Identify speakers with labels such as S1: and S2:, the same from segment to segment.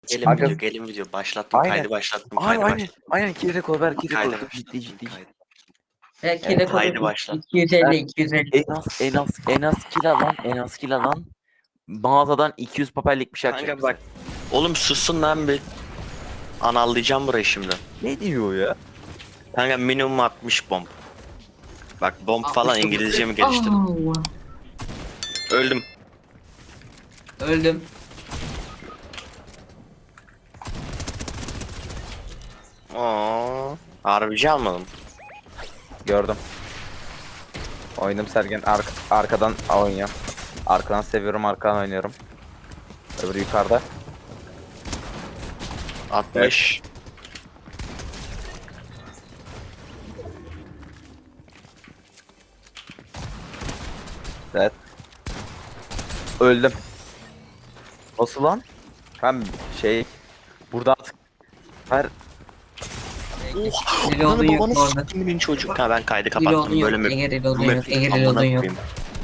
S1: Gelin
S2: Aga-
S1: video, gelin video. Başlattım,
S2: Aynen.
S1: kaydı başlattım,
S2: Aynen
S1: kaydı
S2: aynen.
S1: başlattım.
S2: Aynen kedi rekor ver kedi
S1: Kaydı
S2: rekor. Ciddi
S1: başlattım,
S2: ciddi.
S1: kaydı.
S3: Belki
S2: Evet,
S3: rekoru
S1: kaydı başlat.
S3: 250 250.
S2: En az kill alan mağazadan 200 papellik bir şey atacak
S1: Kanka
S2: bize.
S1: bak. Oğlum sussun lan bir. Anallayacağım burayı şimdi.
S2: Ne diyor ya?
S1: Kanka minimum 60 bomb. Bak bomb falan
S3: 69.
S1: İngilizcemi geliştirdim.
S3: Allah.
S1: Öldüm.
S3: Öldüm.
S1: Oo. Harbici almadım.
S2: Gördüm. Oynadım Sergen arkadan oynuyor. Arkadan seviyorum arkadan oynuyorum. Öbürü yukarıda.
S1: 60.
S2: Evet. Öldüm. Nasıl lan? Ben burada artık ver.
S3: Reload'un yok bu arada.
S1: Kimin çocuk? Ha ben kaydı
S3: Reload'un
S1: kapattım.
S3: yok.
S1: Böyle mi?
S3: Ege reload'un
S1: Bu
S3: yok.
S1: map'i
S3: Ege
S1: amına
S3: reload'un yok.
S1: koyayım.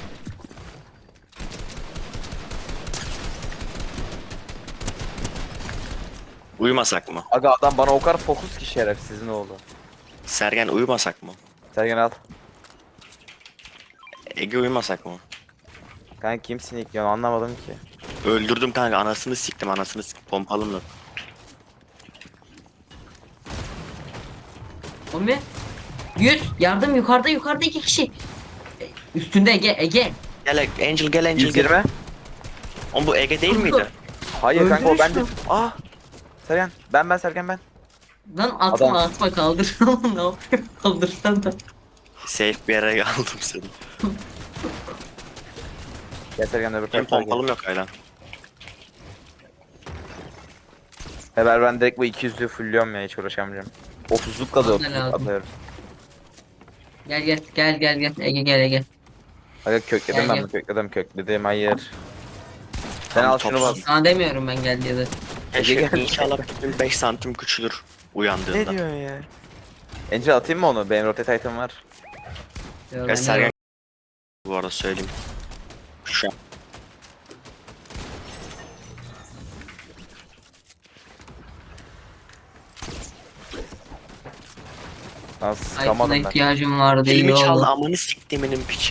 S1: Uyumasak mı?
S2: Aga adam bana o kadar fokus ki şerefsizin oğlu.
S1: Sergen uyumasak mı?
S2: Sergen al.
S1: Ege uyumasak mı?
S2: Kanka kimsin ilk ya anlamadım ki.
S1: Öldürdüm kanka, anasını siktim, anasını siktim pompalımla.
S3: O ne? 100. Yardım yukarıda 2 kişi. Üstünde Ege.
S1: Gel Angel, gel Angel, gel.
S2: 120.
S1: Oğlum bu Ege değil miydi?
S2: Hayır kanka o
S3: Öldürüş
S2: bende.
S3: mü?
S2: Ah. Sergen ben Sergen ben.
S3: Lan atma
S2: Adam.
S3: atma kaldır. Ne yapıyor? Kaldırsan da.
S1: Safe bir yere aldım seni.
S2: Gel Sergen öbür
S1: Benim
S2: tarafa gel.
S1: pompalım yok hala.
S2: Ben direkt bu 200'lüğü fullliyorum ya hiç uğraşamayacağım. 30'luk da
S3: Bana
S2: 30'luk
S3: lazım.
S2: atıyorum.
S3: Gel Ege gel Ege.
S2: Aga kökledim
S3: Gel,
S2: ben
S3: gel.
S2: bunu kökledim hayır. Sen
S1: Tam
S2: al şunu bas.
S1: topsun.
S3: Sana demiyorum ben gel diye de.
S1: Keşke
S2: gel.
S1: inşallah 5 santim küçülür uyandığında.
S2: Ne diyorsun ya? Angel atayım mı onu? Benim rotate item var.
S3: Yo,
S1: Ya
S3: ben
S1: Sergen
S3: de-
S1: bu arada söyleyeyim. Şu an.
S2: Nasıl
S3: Item'a
S2: sıkamadım ben.
S3: ihtiyacım vardı iyi
S1: Elimi çaldı,
S3: oldu.
S1: amanı siktiminin piçi.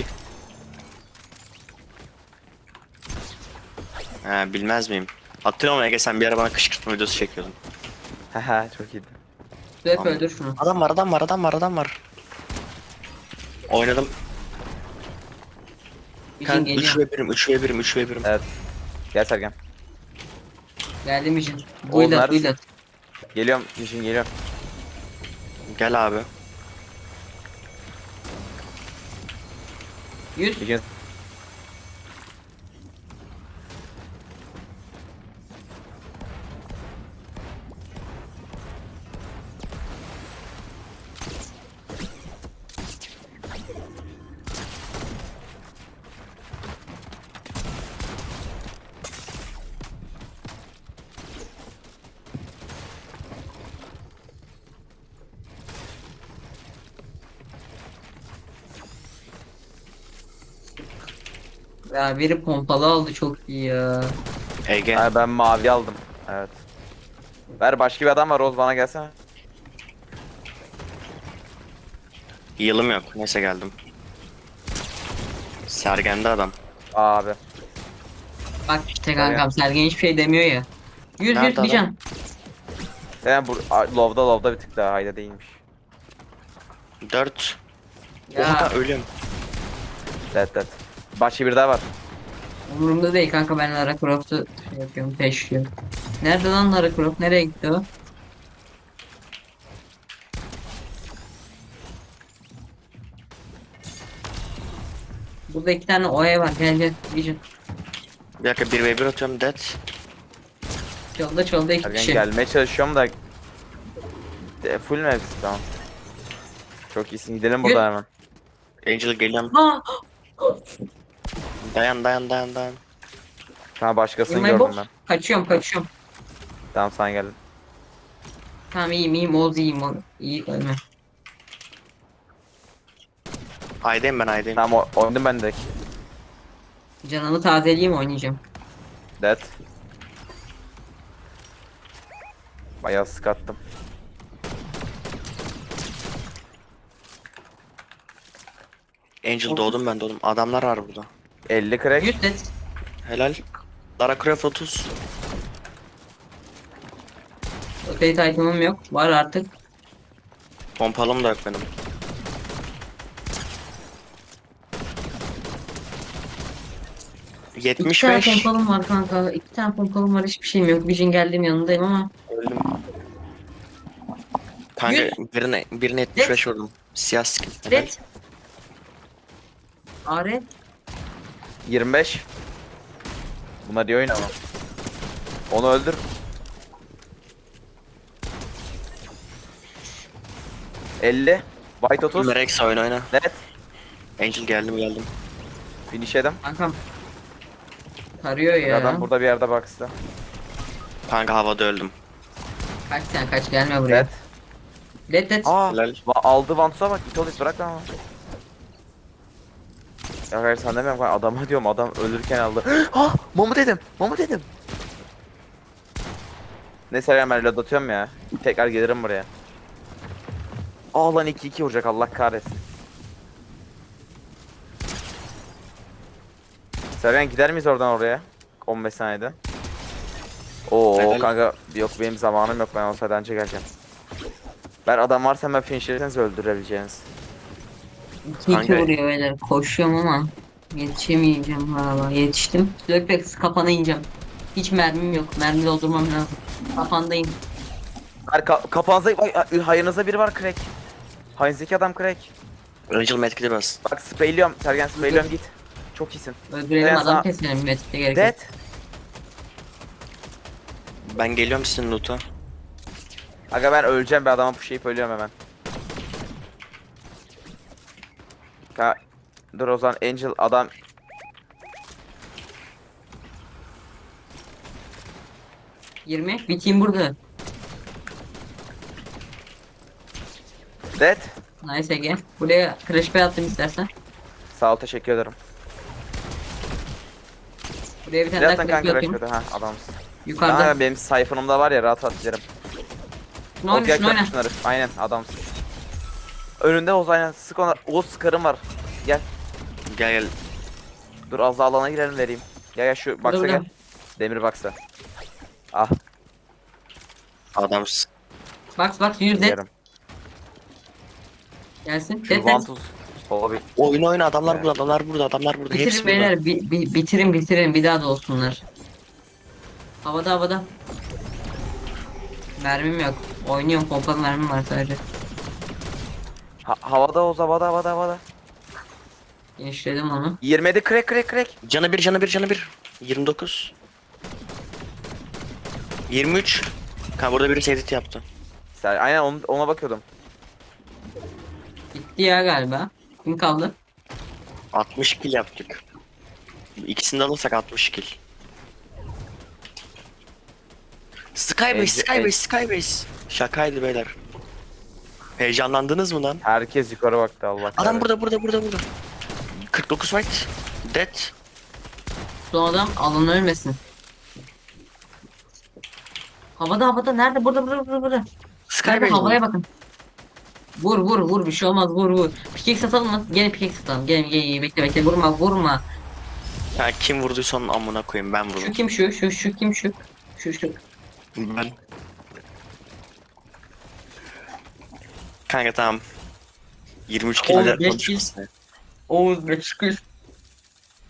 S1: He bilmez miyim? Hatırlıyor musun Ege, sen bir ara bana kışkırtma videosu çekiyordun.
S2: Haha çok iyiydi.
S3: Hep
S1: Tamam.
S3: öldür şunu.
S1: Adam var. Oynadım.
S3: İçin
S1: Kanka 3
S3: geliyor.
S1: ve 1'im, 3 ve 1'im, 3 ve 1'im.
S2: Evet. Gel Sergen.
S3: Geldim için.
S2: Oğlum,
S3: Buylat
S2: neredesin?
S3: buylat.
S2: Geliyorum. Yişin geliyorum.
S1: Gel abi.
S3: 100.
S2: Bir gün
S3: Ya biri pompalı aldı çok iyi ya.
S1: Ege.
S2: ha, ben mavi aldım. Evet. Ver başka bir adam var Oz bana gelsene.
S1: Yılım yok. Neyse geldim. Sergen'de adam.
S2: Abi.
S3: Bak işte kankam Sergen hiçbir şey demiyor ya. 100
S1: Nerede
S3: 100 bir
S1: adam?
S3: can.
S2: Sen Lov'da bir tık daha hayda değilmiş.
S1: 4.
S3: Ya
S1: Oha ölüm.
S2: Evet. Başka bir daha var.
S3: umurumda değil kanka ben Lara Croft'u şey yapıyorum peşliyorum. Nerede lan Lara Croft? Nereye gitti o? Burada 2 tane oya var gel Vision.
S1: Bir dakika 1 ve 1 atıyorum dead.
S3: Çolda 2
S2: Sergen
S3: kişi.
S2: gelmeye çalışıyorum da full mü hepsi tamam. Çok iyisin gidelim burada hemen.
S1: Angel geliyorum.
S3: Ha!
S1: Dayan.
S2: Sana başkasını
S3: Yılmayı
S2: gördüm
S3: boş.
S2: ben.
S3: Kaçıyorum.
S2: Tamam sana geldim.
S3: Tamam iyiyim Oğuz iyiyim Oğuz. İyi ölme.
S1: Aydayım ben aydayım.
S2: Tamam oynadım ben direkt.
S3: Canımı tazeleyeyim oynayacağım.
S2: Dead. Bayağı sık attım.
S1: Angel doğdum ben doğdum. Adamlar var burada.
S2: 50 crack.
S3: 100 dead.
S1: Helal. Lara Croft 30.
S3: Rotate item'ım yok. Var artık.
S1: Pompalım da yok benim.
S3: İki tane
S1: 75.
S3: pompalım var kanka. 2 tane pompalım var. Hiçbir şeyim yok. Vision geldiğim yanındayım ama.
S1: Öldüm. Kanka birine 75 vurdum. Siyah skin. Helal.
S3: Dead. Are.
S2: 25. Bunlar iyi oyun ama. Onu öldür. ...50. White 30.
S1: Merex oyna.
S2: Net.
S1: Angel geldim.
S2: Finish edim.
S3: Kankam. Tarıyor ya.
S2: Adam burada bir yerde box'ta.
S1: Kanka havada öldüm.
S3: Kaç sen kaç gelme buraya.
S2: Net.
S3: Dead.
S2: Aa.
S1: Helal.
S2: Aldı Vantus'a bak. İtolis bırak lan. Ya hayır sen demiyorum kanka. Adama diyorum. Adam ölürken aldı. Ha! Momu dedim. Neyse ben reload atıyorum ya. Tekrar gelirim buraya. Aa lan 2-2 vuracak Allah kahretsin. Sergen gider miyiz oradan oraya? 15 saniyede. Oo
S1: Helal.
S2: kanka yok benim zamanım yok ben olsaydı önce geleceğim. Ben adam varsa hemen finishlerseniz öldürebileceğiniz.
S3: 2
S1: Kanka.
S3: vuruyor beyler. Koşuyorum ama yetişemeyeceğim valla. Yetiştim. Lökbek kafana ineceğim. Hiç mermim yok. Mermi doldurmam lazım. Kafandayım.
S2: Kafanızda hayırınızda biri var crack. Hayırınızdaki adam crack.
S1: Angel medkit'e bas.
S2: Bak sprayliyorum Sergen sprayliyorum git. Çok iyisin.
S3: Öldürelim
S2: Ben
S3: adam
S2: sana-
S3: keselim. Metikte gerek yok.
S2: Dead.
S1: Ben geliyorum sizin loot'a.
S2: Aga ben öleceğim bir adama pushlayıp ölüyorum hemen. Dur o zaman Angel adam
S3: 20. Biteyim burada.
S2: dead.
S3: Nice Ege. Buraya crash pay attım istersen.
S2: Sağ ol teşekkür ederim.
S3: Buraya bir tane daha
S2: Zaten
S3: crash pay
S2: kanka
S3: atayım.
S2: rushmadı ha adamsın.
S3: Yukarıda.
S2: Kanka benim sayfanımda var ya rahat rahat giderim.
S3: Ne oyna
S2: Oz
S3: şunu oyna.
S2: şunları. Aynen adamsın. Önünde Oz aynen sık ona. Oz sıkarım var. Gel.
S1: Gel.
S2: Dur az daha alana girelim vereyim. Gel şu
S3: Burada,
S2: box'a gel.
S3: burada.
S2: Demir box'a. Ah
S1: Adamsın.
S3: Bak 100 dead.
S2: yerim.
S3: Gelsin.
S2: Şu
S3: Dead.
S2: Vantus sola bir.
S1: Oyna adamlar
S2: Evet.
S1: burada adamlar burada. Hepsi
S3: Bitirin
S1: burada.
S3: beyler. Bitirin. Bir daha da olsunlar. Havada. Mermim yok. Oynuyorum. Pompalı mermim var sadece.
S2: Havada Oz havada.
S3: Genişledim onu.
S2: 27 crack.
S1: Canı bir. 29. 23. Kanka burada biri edit yaptı.
S2: Aynen ona bakıyordum.
S3: Bitti ya galiba. Kim kaldı?
S1: 60 kill yaptık. İkisini de alırsak 60 kill. Skybase. Şakaydı beyler. Heyecanlandınız mı lan?
S2: Herkes yukarı baktı Allah
S1: Adam
S2: kahretsin.
S1: burada. 49 fight. Dead.
S3: Son adam alan ölmesin. Havada. Nerede? Burada. Nerede?
S1: Skybase
S3: Havaya
S1: mi?
S3: bakın. Vur. Bir şey olmaz. Vur. Pickaxe satalım mı? Gene pickaxe satalım. Gel. Bekle. Vurma.
S1: Ya kim vurduysa onun amına koyayım ben
S3: Şu
S1: vurdum.
S3: kim şu? Şu kim şu? Şu.
S1: Ben. Kanka tamam. 23 kill
S3: Oğlum,
S1: de
S3: beş kill. Oğuz 500.